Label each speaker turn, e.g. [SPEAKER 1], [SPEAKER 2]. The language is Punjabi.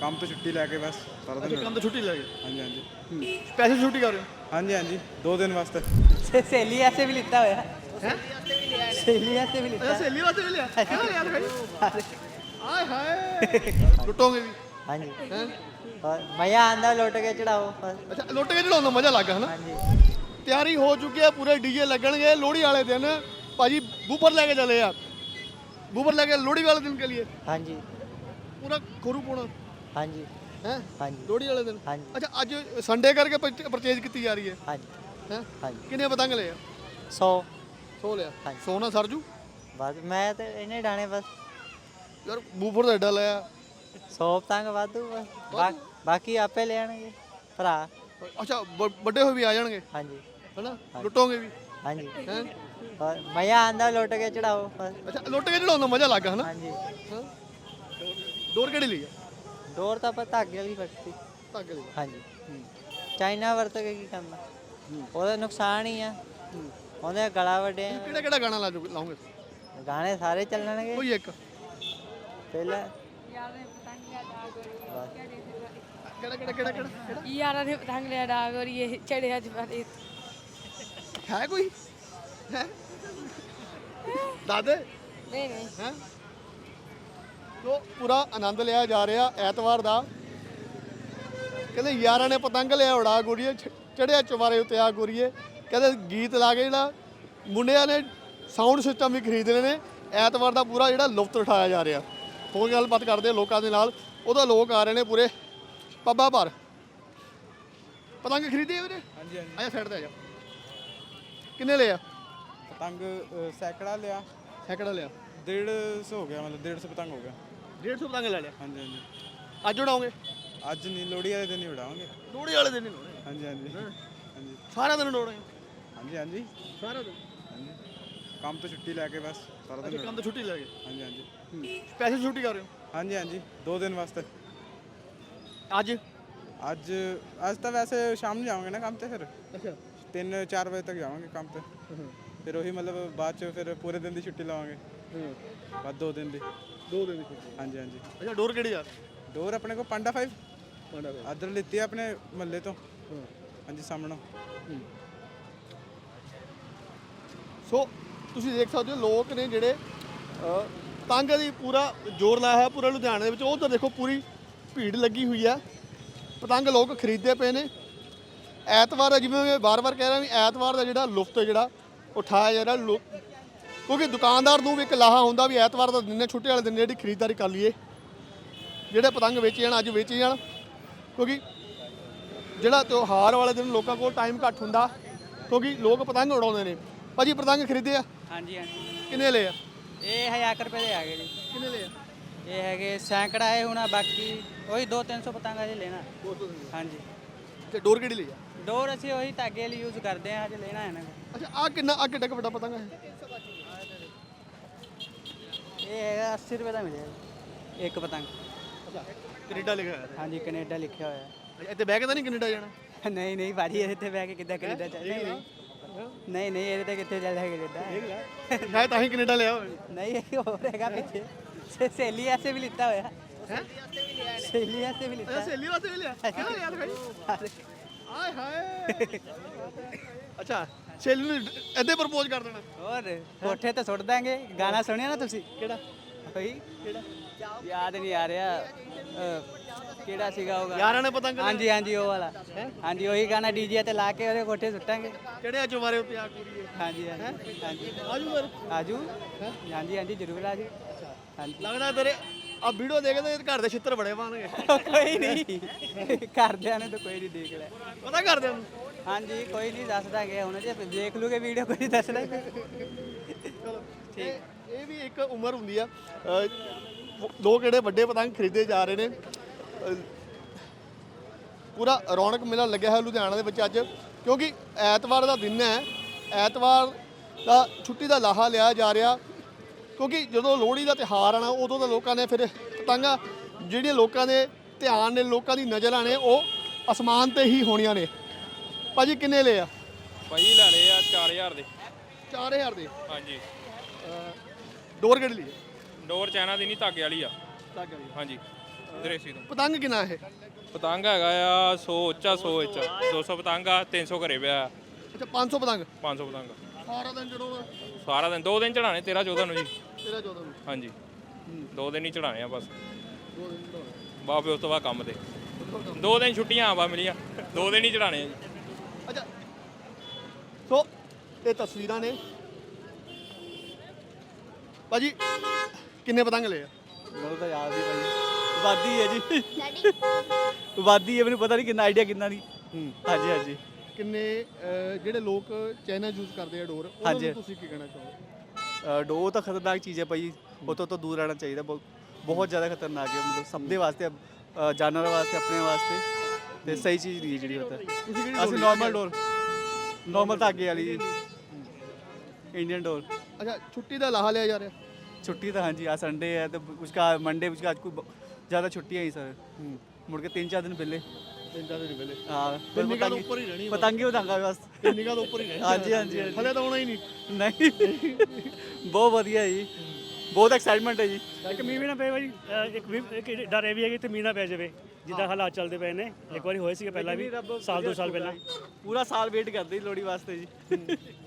[SPEAKER 1] ਕੰਮ ਤੋਂ ਛੁੱਟੀ ਲੈ ਕੇ ਬਸ ਸਾਰਾ ਦਿਨ
[SPEAKER 2] ਕੰਮ ਤੋਂ ਛੁੱਟੀ ਲੈ ਗਏ
[SPEAKER 1] ਹਾਂਜੀ ਹਾਂਜੀ
[SPEAKER 2] ਪੈਸੇ ਛੁੱਟੀ ਕਰ ਰਹੇ ਹੋ
[SPEAKER 1] ਹਾਂਜੀ ਹਾਂਜੀ 2 ਦਿਨ ਵਾਸਤੇ
[SPEAKER 3] सहेली ऐसे भी लिखता हुआ
[SPEAKER 2] ਹੈ
[SPEAKER 3] सहेली ऐसे भी
[SPEAKER 2] ਅੱਛਾ
[SPEAKER 3] लिखता
[SPEAKER 2] ਸਹੇਲੀ ਵਾਸਤੇ ਵੀ ਲਿਆ ਕਿਆ ਯਾਰ ਭਾਈ ਆਏ ਹਾਏ ਲੁੱਟੋਗੇ ਵੀ
[SPEAKER 3] हाँ जी
[SPEAKER 2] ਹੈ
[SPEAKER 3] और भैया आंदा लौट के चढ़ाओ बस
[SPEAKER 2] ਅੱਛਾ ਲੁੱਟ ਕੇ ਚੜਾਉਣ ਦਾ ਮਜ਼ਾ ਲੱਗਾ ਹਨਾ
[SPEAKER 3] हाँ जी
[SPEAKER 2] ਤਿਆਰੀ ਹੋ ਚੁੱਕੀ ਹੈ ਪੂਰੇ ਡੀਜੇ ਲੱਗਣਗੇ ਲੋਹੜੀ ਵਾਲੇ ਦਿਨ ਭਾਜੀ ਬੂਫਰ ਲੈ ਕੇ ਚਲੇ ਆ ਬੂਫਰ ਲੈ ਕੇ ਲੋਹੜੀ ਵਾਲੇ ਦਿਨ के लिए
[SPEAKER 3] हाँ जी
[SPEAKER 2] ਪੂਰਾ ਖੋਰੂ ਪਾਉਣਾ
[SPEAKER 3] हाँ जी
[SPEAKER 2] ਹੈ
[SPEAKER 3] हाँ जी
[SPEAKER 2] ਲੋਹੜੀ ਵਾਲੇ ਦਿਨ
[SPEAKER 3] हाँ जी
[SPEAKER 2] ਅੱਛਾ ਅੱਜ ਸੰਡੇ ਕਰਕੇ ਪਰਚੇਜ ਕੀਤੀ ਜਾ ਰਹੀ ਹੈ
[SPEAKER 3] हाँ जी
[SPEAKER 2] ਹੈ
[SPEAKER 3] हाँ जी
[SPEAKER 2] ਕਿੰਨੇ ਪਤੰਗ ਲਏ ਆ
[SPEAKER 3] 100
[SPEAKER 2] 100 ਲਿਆ
[SPEAKER 3] ਹਾਂਜੀ।
[SPEAKER 2] 100 ਨਾ ਸਰਜੂ
[SPEAKER 3] बस मैं तो इन्हें डाने बस
[SPEAKER 2] ਯਾਰ ਬੂਫਰ ਦਾ ਐਡਾ ਲਿਆ
[SPEAKER 3] 100 पतंग वाधू बस बाकी आपे ले आएंगे भरा
[SPEAKER 2] ਅੱਛਾ ਵੱਡੇ ਹੋਏ ਵੀ ਆ ਜਾਣਗੇ
[SPEAKER 3] हाँ जी
[SPEAKER 2] ਹੈਨਾ ਲੁੱਟੋਗੇ ਵੀ
[SPEAKER 3] हाँ जी
[SPEAKER 2] ਹੈ
[SPEAKER 3] और भैया आंदा लौट के चढ़ाओ बस
[SPEAKER 2] ਅੱਛਾ ਲੁੱਟ ਕੇ ਚੜਾਉਣ ਦਾ ਮਜ਼ਾ ਲੱਗਾ ਹਨਾ
[SPEAKER 3] हाँ जी
[SPEAKER 2] ਹਾਂ ਡੋਰ ਕਿਹੜੀ ਲਈ ਆ
[SPEAKER 3] डोर तो आप धागे वाली फटती
[SPEAKER 2] ਧਾਗੇ ਲਈ
[SPEAKER 3] हाँ जी चाइना वरत के की करना ਉਹਦਾ ਨੁਕਸਾਨ ਹੀ ਆ ਉਹਦੇ ਗਲਾ ਵੱਡੇ
[SPEAKER 2] ਕਿਹੜਾ ਕਿਹੜਾ ਗਾਣਾ ਲਾਉਂਗੇ
[SPEAKER 3] ਗਾਣੇ ਸਾਰੇ ਚੱਲਣਗੇ
[SPEAKER 2] ਕੋਈ ਇੱਕ
[SPEAKER 3] ਪਹਿਲਾਂ
[SPEAKER 2] ਕਿਹੜਾ
[SPEAKER 4] ਯਾਰਾਂ ਨੇ ਪਤੰਗ ਲਿਆ ਡਾਗ ਔਰ ਇਹ ਚੜਿਆ ਜਵਾਰੇ
[SPEAKER 2] ਹੈ ਕੋਈ ਹੈ ਦਾਦੇ
[SPEAKER 4] ਨਹੀਂ ਨਹੀਂ
[SPEAKER 2] ਹੈ ਲੋ ਪੂਰਾ ਆਨੰਦ ਲਿਆ ਜਾ ਰਿਹਾ ਐਤਵਾਰ ਦਾ ਕਹਿੰਦੇ ਯਾਰਾਂ ਨੇ ਪਤੰਗ ਲਿਆ ਉਡਾ ਗੋਰੀਏ ਚੜਿਆ ਚਵਾਰੇ ਉੱਤੇ ਆ ਗੋਰੀਏ ਕਹਿੰਦੇ ਗੀਤ ਲਾ ਕੇ ਜਿਹੜਾ ਮੁੰਡਿਆਂ ਨੇ ਸਾਊਂਡ ਸਿਸਟਮ ਵੀ ਖਰੀਦ ਲਏ ਨੇ ਐਤਵਾਰ ਦਾ ਪੂਰਾ ਜਿਹੜਾ ਲੁਫਤ ਉਠਾਇਆ ਜਾ ਰਿਹਾ ਹੋਰ ਗੱਲਬਾਤ ਕਰਦੇ ਆ ਲੋਕਾਂ ਦੇ ਨਾਲ ਉਹਦਾ ਲੋਕ ਆ ਰਹੇ ਨੇ ਪੂਰੇ ਪੱਬਾਂ ਭਰ ਪਤੰਗ ਖਰੀਦੇ ਵੀਰੇ
[SPEAKER 1] ਹਾਂਜੀ ਹਾਂਜੀ
[SPEAKER 2] ਆਇਆ ਸਾਈਡ ਤੇ ਆ ਜਾ ਕਿੰਨੇ ਲਿਆ
[SPEAKER 1] ਪਤੰਗ ਸੈਕੜਾ ਲਿਆ
[SPEAKER 2] ਸੈਕੜਾ ਲਿਆ
[SPEAKER 1] 150 ਹੋ ਗਿਆ ਮਤਲਬ 150 ਪਤੰਗ ਹੋ ਗਿਆ
[SPEAKER 2] 150 ਪਤੰਗ ਲੈ ਲਿਆ
[SPEAKER 1] ਹਾਂਜੀ ਹਾਂਜੀ
[SPEAKER 2] ਅੱਜ ਉਡਾਓਗੇ
[SPEAKER 1] ਅੱਜ ਨਹੀਂ ਲੋਹੜੀ ਵਾਲੇ ਦਿਨ ਹੀ ਉਡਾਵਾਂਗੇ
[SPEAKER 2] ਲੋਹੜੀ ਵਾਲੇ ਦਿਨ ਹੀ ਲਾਉਣੇ
[SPEAKER 1] ਹਾਂਜੀ ਹਾਂਜੀ ਹਾਂਜੀ
[SPEAKER 2] ਸਾਰਾ ਦਿਨ ਉਡਾਉਣੇ
[SPEAKER 1] ਹਾਂਜੀ ਹਾਂਜੀ
[SPEAKER 2] ਸਾਰਾ ਦਿਨ
[SPEAKER 1] ਹਾਂਜੀ ਕੰਮ ਤੋਂ ਛੁੱਟੀ ਲੈ ਕੇ ਬਸ ਸਾਰਾ ਦਿਨ
[SPEAKER 2] ਕੰਮ ਤੋਂ ਛੁੱਟੀ ਲੈ ਗਏ
[SPEAKER 1] ਹਾਂਜੀ ਹਾਂਜੀ
[SPEAKER 2] ਪੈਸੇ ਛੁੱਟੀ ਕਰ ਰਹੇ ਹੋ
[SPEAKER 1] ਹਾਂਜੀ ਹਾਂਜੀ 2 ਦਿਨ ਵਾਸਤੇ
[SPEAKER 2] ਅੱਜ
[SPEAKER 1] ਅੱਜ ਅੱਜ ਤਾਂ ਵੈਸੇ ਸ਼ਾਮ ਨੂੰ ਜਾਵਾਂਗੇ ਨਾ ਕੰਮ ਤੇ ਫਿਰ
[SPEAKER 2] ਅੱਛਾ
[SPEAKER 1] 3-4 ਵਜੇ ਤੱਕ ਜਾਵਾਂਗੇ ਕੰਮ ਤੇ ਫਿਰ ਉਹੀ ਮਤਲਬ ਬਾਅਦ ਚ ਫਿਰ ਪੂਰੇ ਦਿਨ ਦੀ ਛੁੱਟੀ ਲਵਾਂਗੇ ਬਾਅਦ 2 ਦਿਨ ਦੀ
[SPEAKER 2] 2 ਦਿਨ ਦੀ ਛੁੱਟੀ
[SPEAKER 1] ਹਾਂਜੀ ਹਾਂਜੀ
[SPEAKER 2] ਅੱਛਾ ਡੋਰ ਕਿਹੜੀ ਯਾਰ
[SPEAKER 1] ਡੋਰ ਆਪਣੇ ਕੋਲ ਪਾਂਡਾ 5
[SPEAKER 2] ਪਾਂਡਾ
[SPEAKER 1] ਅਦਰ ਲਿੱਤੀ ਆ ਆਪਣੇ ਮਹੱਲੇ ਤੋਂ ਹਾਂਜੀ ਸਾਹਮਣੋਂ
[SPEAKER 2] ਸੋ ਤੁਸੀਂ ਦੇਖ ਸਕਦੇ ਹੋ ਲੋਕ ਨੇ ਜਿਹੜੇ ਪਤੰਗ ਦੀ ਪੂਰਾ ਜ਼ੋਰ ਲਾਇਆ ਹੈ ਪੂਰਾ ਲੁਧਿਆਣੇ ਦੇ ਵਿੱਚ ਉਧਰ ਦੇਖੋ ਪੂਰੀ ਭੀੜ ਲੱਗੀ ਹੋਈ ਆ ਪਤੰਗ ਲੋਕ ਖਰੀਦਦੇ ਪਏ ਨੇ ਐਤਵਾਰ ਜਿਵੇਂ ਮੈਂ ਵਾਰ-ਵਾਰ ਕਹਿ ਰਿਹਾ ਵੀ ਐਤਵਾਰ ਦਾ ਜਿਹੜਾ ਲੁਫਤ ਜਿਹੜਾ ਉਠਾਇਆ ਜਾ ਰਿਹਾ ਕਿਉਂਕਿ ਦੁਕਾਨਦਾਰ ਨੂੰ ਵੀ ਇੱਕ ਲਾਹਾ ਹੁੰਦਾ ਵੀ ਐਤਵਾਰ ਦਾ ਦਿਨ ਹੈ ਛੁੱਟੀ ਵਾਲੇ ਦਿਨ ਜਿਹੜੀ ਖਰੀਦਦਾਰੀ ਕਰ ਲਈਏ ਜਿਹੜੇ ਪਤੰਗ ਵੇਚੇ ਜਾਣ ਅੱਜ ਵੇਚੇ ਜਾਣ ਕਿਉਂਕਿ ਜਿਹੜਾ ਤਿਉਹਾਰ ਵਾਲੇ ਦਿਨ ਲੋਕਾਂ ਕੋਲ ਟਾਈਮ ਘੱਟ ਹੁੰਦਾ ਕਿਉਂਕਿ ਲੋਕ ਪਤੰਗ ਉਡਾਉਂਦੇ ਨੇ ਭਾਜੀ ਪਤੰਗ ਖਰੀਦੇ ਆ
[SPEAKER 3] ਹਾਂਜੀ ਹਾਂਜੀ
[SPEAKER 2] ਕਿੰਨੇ ਲਏ ਆ
[SPEAKER 3] ਇਹ 1000 ਰੁਪਏ ਦੇ ਆ ਗਏ ਜੀ
[SPEAKER 2] ਕਿੰਨੇ ਲਏ ਆ
[SPEAKER 3] ਇਹ ਹੈਗੇ ਸੈਂਕੜਾ ਹੈ ਹੁਣ ਬਾਕੀ ਉਹੀ 200-300 ਪਤੰਗਾ ਜੀ ਲੈਣਾ ਹਾਂਜੀ
[SPEAKER 2] ਤੇ ਡੋਰ ਕਿਹੜੀ ਲਈ ਆ
[SPEAKER 3] ਡੋਰ ਅਸੀਂ ਉਹੀ ਧਾਗੇ ਲਈ ਯੂਜ਼ ਕਰਦੇ ਹਾਂ ਹਜੇ ਲੈਣਾ ਹੈ ਨਾ
[SPEAKER 2] ਅੱਛਾ ਆ ਕਿੱਡਾ ਕੁ ਵੱਡਾ ਪਤੰਗ ਹੈ
[SPEAKER 3] ਇਹ ਹੈਗਾ 80 ਰੁਪਏ ਦਾ ਮਿਲਿਆ ਇੱਕ ਪਤੰਗ
[SPEAKER 2] ਅੱਛਾ ਕੈਨੇਡਾ ਲਿਖਿਆ ਹੋਇਆ
[SPEAKER 3] ਹਾਂਜੀ ਕੈਨੇਡਾ ਲਿਖਿਆ ਹੋਇਆ
[SPEAKER 2] ਹੈ ਇੱਥੇ ਬਹਿ ਕੇ ਤਾਂ ਨਹੀਂ ਕੈਨੇਡਾ ਜਾਣਾ
[SPEAKER 3] ਨਹੀਂ ਨਹੀਂ ਭਾਜੀ ਇਹਦੇ ਤੇ ਬਹਿ ਕੇ ਕਿੱਦਾਂ ਕੈਨੇਡਾ ਚੱਲ ਨਹੀਂ ਨਹੀਂ ਇਹਦੇ ਤੇ ਕਿੱਥੇ ਚੱਲਦਾ ਕੈਨੇਡਾ
[SPEAKER 2] ਮੈਂ ਤਾਂ ਹੀ ਕੈਨੇਡਾ ਲਿਆ ਹੋਇਆ
[SPEAKER 3] नहीं एक और हैगा पीछे सहेली ऐसे भी लिखता होया
[SPEAKER 2] ਹੈ
[SPEAKER 3] सहेली ऐसे भी लिखता
[SPEAKER 2] ਸਹੇਲੀ ਵਾਸਤੇ ਵੀ ਲਿਆ ਕਿਆ ਯਾਰ ਭਾਈ ਆਏ ਹਾਏ ਅੱਛਾ ਸਹੇਲੀ ਨੂੰ ਇੱਥੇ ਪ੍ਰਪੋਜ਼ ਕਰ ਦੇਣਾ
[SPEAKER 3] और कोठे तो सुट देंगे गाना सुनिया ना तुसी
[SPEAKER 2] ਕਿਹੜਾ
[SPEAKER 3] कोई
[SPEAKER 2] ਕਿਹੜਾ
[SPEAKER 3] याद नहीं आ रहा ਕਿਹੜਾ ਸੀਗਾ ਉਹ ਗਾਣਾ
[SPEAKER 2] ਯਾਰਾਂ ਨੇ ਪਤੰਗ
[SPEAKER 3] ਹਾਂਜੀ ਹਾਂਜੀ ਉਹ ਵਾਲਾ ਹਾਂਜੀ ਉਹੀ ਗਾਣਾ ਡੀਜੇ ਤੇ ਲਾ ਕੇ ਉਹਦੇ ਕੋਠੇ ਸੁੱਟਾਂਗੇ
[SPEAKER 2] ਕਿਹੜੇ ਚਵਾਰੇ ਉੱਤੇ ਆ ਕੁੜੀਏ
[SPEAKER 3] ਹਾਂਜੀ ਹਾਂਜੀ ਹਾਂਜੀ
[SPEAKER 2] ਆਜੂ ਫਿਰ
[SPEAKER 3] ਆਜੂ ਹਾਂਜੀ ਹਾਂਜੀ ਜ਼ਰੂਰ ਆਜੂ ਹਾਂਜੀ
[SPEAKER 2] ਲੱਗਦਾ ਤੇਰੇ ਆ ਵੀਡੀਓ ਦੇਖਦੇ ਘਰ ਦੇ ਛਿੱਤਰ ਬੜੇ ਪਾਣਗੇ
[SPEAKER 3] ਕੋਈ ਨਹੀਂ ਘਰਦਿਆਂ ਨੇ ਤਾਂ ਕੋਈ ਨਹੀਂ ਦੇਖ ਲਿਆ
[SPEAKER 2] ਪਤਾ ਕਰਦੇ ਉਹਨੂੰ
[SPEAKER 3] ਹਾਂਜੀ ਕੋਈ ਨਹੀਂ ਦੱਸਦਾ ਗਿਆ ਹੁਣ ਜੇ ਦੇਖ ਲੂਗੇ ਵੀਡੀਓ ਕੋਈ ਦੱਸਦਾ
[SPEAKER 2] ਚਲੋ ਠੀਕ ਇਹ ਵੀ ਇੱਕ ਉਮਰ ਹੁੰਦੀ ਆ ਲੋਕ ਜਿਹੜੇ ਵੱਡੇ ਪਤੰਗ ਖਰੀਦੇ ਜਾ ਰਹੇ ਨੇ ਪੂਰਾ ਰੌਣਕ ਮੇਲਾ ਲੱਗਿਆ ਹੈ ਲੁਧਿਆਣਾ ਦੇ ਵਿੱਚ ਅੱਜ ਕਿਉਂਕਿ ਐਤਵਾਰ ਦਾ ਦਿਨ ਹੈ ਐਤਵਾਰ ਦਾ ਛੁੱਟੀ ਦਾ ਲਾਹਾ ਲਿਆ ਜਾ ਰਿਹਾ ਕਿਉਂਕਿ ਜਦੋਂ ਲੋਹੜੀ ਦਾ ਤਿਉਹਾਰ ਆਣਾ ਉਦੋਂ ਤਾਂ ਲੋਕਾਂ ਨੇ ਫਿਰ ਪਤੰਗਾਂ ਜਿਹੜੀਆਂ ਲੋਕਾਂ ਦੇ ਧਿਆਨ ਨੇ ਲੋਕਾਂ ਦੀ ਨਜ਼ਰਾਂ ਨੇ ਉਹ ਅਸਮਾਨ ਤੇ ਹੀ ਹੋਣੀਆਂ ਨੇ ਭਾਜੀ ਕਿੰਨੇ ਲਏ ਆ
[SPEAKER 5] ਭਾਈ ਲੈ ਲਏ ਆ 4000 ਦੇ
[SPEAKER 2] 4000 ਦੇ
[SPEAKER 5] ਹਾਂਜੀ
[SPEAKER 2] ਡੋਰ ਕਿਹੜੀ ਲਈ
[SPEAKER 5] ਡੋਰ ਚਾਈਨਾ ਦੀ ਨਹੀਂ ਧਾਗੇ ਵਾਲੀ ਆ
[SPEAKER 2] ਲੱਗ ਗਈ
[SPEAKER 5] ਹਾਂਜੀ ਦਰੇਸੀ ਤੋਂ।
[SPEAKER 2] ਪਤੰਗ ਕਿੰਨਾ ਇਹ?
[SPEAKER 5] ਪਤੰਗ ਹੈਗਾ ਆ 100 ਉੱਚਾ 100 ਉੱਚਾ 200 ਪਤੰਗ ਆ 300 ਘਰੇ ਪਿਆ।
[SPEAKER 2] ਅੱਛਾ 500 ਪਤੰਗ
[SPEAKER 5] 500 ਪਤੰਗ
[SPEAKER 2] ਸਾਰਾ ਦਿਨ ਚੜਾਉਣਾ?
[SPEAKER 5] ਸਾਰਾ ਦਿਨ 2 ਦਿਨ ਚੜਾਣੇ 13 14 ਨੂੰ ਜੀ।
[SPEAKER 2] 13 14 ਨੂੰ
[SPEAKER 5] ਹਾਂਜੀ 2 ਦਿਨ ਹੀ ਚੜਾਣੇ ਆ ਬਸ।
[SPEAKER 2] 2 ਦਿਨ ਚੜਾਉਣਾ।
[SPEAKER 5] ਬਾਅਦ ਉਸ ਤੋਂ ਬਾਅਦ ਕੰਮ ਤੇ 2 ਦਿਨ ਛੁੱਟੀਆਂ ਆ ਮਿਲੀਆਂ 2 ਦਿਨ ਹੀ ਚੜਾਣੇ ਆ ਜੀ।
[SPEAKER 2] ਅੱਛਾ ਸੋ ਇਹ ਤਸਵੀਰਾਂ ਨੇ ਭਾਜੀ ਕਿੰਨੇ ਪਤੰਗ ਲਏ ਆ?
[SPEAKER 6] ਮੈਨੂੰ ਤਾਂ ਯਾਦ ਨਹੀਂ ਭਾਜੀ ਵਾਦੀ ਹੈ ਜੀ ਵਾਦੀ ਹੈ ਮੈਨੂੰ ਪਤਾ ਨਹੀਂ ਕਿੰਨਾ ਆਈਡੀਆ ਕਿੰਨਾ ਨਹੀਂ ਹਾਂਜੀ ਹਾਂਜੀ
[SPEAKER 2] ਕਿੰਨੇ ਜਿਹੜੇ ਲੋਕ ਚਾਈਨਾ ਯੂਜ਼ ਕਰਦੇ ਆ ਡੋਰ ਉਹਨਾਂ
[SPEAKER 6] ਹਾਂਜੀ।
[SPEAKER 2] ਨੂੰ ਤੁਸੀਂ ਕੀ ਕਹਿਣਾ ਚਾਹੋਗੇ?
[SPEAKER 6] ਡੋ ਤਾਂ ਖਤਰਨਾਕ ਚੀਜ਼ ਹੈ ਭਾਈ ਉਹ ਤੋਂ ਦੂਰ ਰਹਿਣਾ ਚਾਹੀਦਾ ਬਹੁਤ ਜ਼ਿਆਦਾ ਖਤਰਨਾਕ ਹੈ ਮਤਲਬ ਸਭ ਦੇ ਵਾਸਤੇ ਜਾਨਵਰਾਂ ਵਾਸਤੇ ਆਪਣੇ ਵਾਸਤੇ ਤੇ ਸਹੀ ਚੀਜ਼ ਨਹੀਂ ਹੈ ਜਿਹੜੀ ਮਤਲਬ
[SPEAKER 2] ਤੁਸੀਂ ਕਿਹੜੀ
[SPEAKER 6] ਅਸੀਂ ਨਾਰਮਲ ਡੋਰ ਨਾਰਮਲ ਧਾਗੇ ਵਾਲੀ इंडियन डोर।
[SPEAKER 2] अच्छा छुट्टी का लाहा लिया जा रहा है?
[SPEAKER 6] छुट्टी तो हाँ जी आज संडे है तो उसका मंडे उसका आज कोई ज़्यादा छुट्टी है ही सर मुड़ के 3-4 दिन पहले
[SPEAKER 2] 3-4 दिन पहले
[SPEAKER 6] हाँ
[SPEAKER 2] फिर निगाह तो ऊपर ही रहनी है
[SPEAKER 6] पतंगे उड़ांगा बस
[SPEAKER 2] निगाह तो ऊपर ही रहनी
[SPEAKER 6] हाँ जी हाँ जी
[SPEAKER 2] हले तो होना ही नहीं
[SPEAKER 6] नहीं बहुत ਵਧੀਆ ਜੀ ਬਹੁਤ ਐਕਸਾਈਟਮੈਂਟ ਹੈ ਜੀ
[SPEAKER 7] ਇੱਕ ਮੀਂਹ ਵੀ ਨਾ ਪਏ ਭਾਈ ਇੱਕ ਡਰ ਇਹ ਵੀ ਹੈ ਕਿ ਇੱਥੇ ਮੀਂਹ ਨਾ ਪੈ ਜਾਵੇ ਜਿੱਦਾਂ ਹਾਲਾਤ ਚੱਲਦੇ ਪਏ ਨੇ ਇੱਕ ਵਾਰੀ ਹੋਏ ਸੀਗੇ ਪਹਿਲਾਂ ਵੀ ਸਾਲ 2 ਸਾਲ ਪਹਿਲਾਂ
[SPEAKER 6] ਪੂਰਾ ਸਾਲ ਵੇਟ ਕਰਦੇ ਜੀ ਲੋਹੜੀ ਵਾਸਤੇ ਜੀ